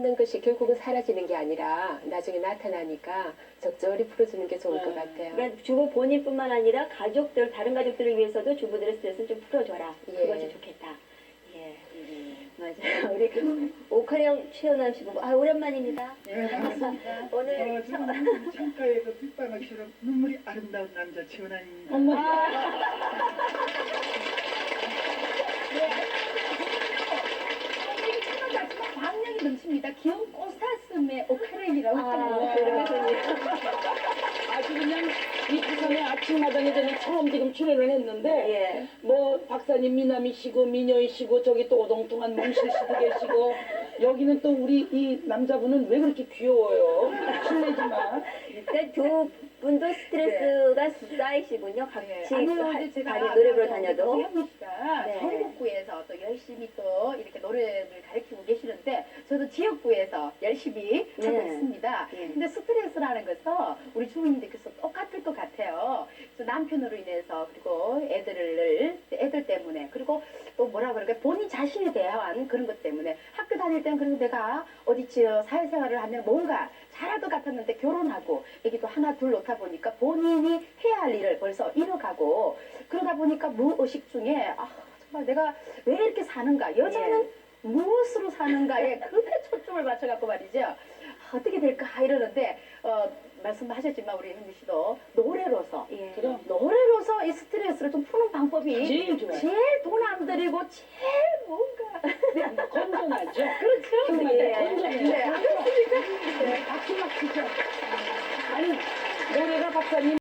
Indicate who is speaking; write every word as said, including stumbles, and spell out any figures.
Speaker 1: 없는 것이 결국은 사라지는 게 아니라 나중에 나타나니까 적절히 풀어주는 게 좋을 것 같아요.
Speaker 2: 그러니까 주부 본인뿐만 아니라 가족들, 다른 가족들을 위해서도 주부들의 스트레스를 좀 풀어줘라.
Speaker 1: 예.
Speaker 2: 그것이 좋겠다. 예, 맞아요. 우리 오카령 최연남 씨 보고 아 오랜만입니다.
Speaker 3: 네, 반갑습니다.
Speaker 2: 오늘
Speaker 3: 어, 저는 창가에 그 빗방울처럼 눈물이 아름다운 남자 최원환입니다.
Speaker 4: 광량이 넘칩니다. 귀여운 꽃사슴의 오카렌이라고
Speaker 2: 아,
Speaker 4: 하는
Speaker 2: 그러군요.
Speaker 5: 아주 그냥 이 부산의 아침마당에 저는 처음 지금 출연을 했는데
Speaker 2: 예.
Speaker 5: 뭐 박사님 미남이시고 미녀이시고 저기 또 오동통한 몽실 씨도 계시고 여기는 또 우리 이 남자분은 왜 그렇게 귀여워요? 실례지만
Speaker 2: 그러니까 두 분도 스트레스가 쌓이시군요. 같이
Speaker 4: 네. 아무래도
Speaker 2: 하-
Speaker 4: 제가
Speaker 2: 다니 노래 부러 다녀도.
Speaker 4: 현미 씨가
Speaker 2: 네.
Speaker 4: 전국구에서 또 열심히 또 이렇게 노래를 가르치고 계시는데 저도 지역구에서 열심히 하고
Speaker 2: 네.
Speaker 4: 있습니다.
Speaker 2: 네.
Speaker 4: 근데 스트레스라는 것은 우리 주부님들께서 똑같을 것 같아요. 그래서 남편으로 인해서 그리고 애들을 애들 때문에 그리고 또 뭐라 그럴까 본인 자신에 대한 그런 것 때문에 학교 다닐 때는 그래도 내가 어디 저 사회생활을 하면 뭔가 잘할 것 같았는데 결혼하고 애기도 하나 둘 놓다 보니까 본인이 해야 할 일을 벌써 잃어가고 그러다 보니까 무의식 중에 아 정말 내가 왜 이렇게 사는가 여자는 무엇으로 사는가에 그에 초점을 맞춰갖고 말이죠. 아, 어떻게 될까 이러는데 어, 말씀하셨지만 우리 현미 씨도 노래로서
Speaker 2: 예.
Speaker 5: 그럼
Speaker 4: 노래로서 이 스트레스를 좀 푸는 방법이
Speaker 5: 제일 좋아요.
Speaker 4: 제일 돈 안 들이고 제일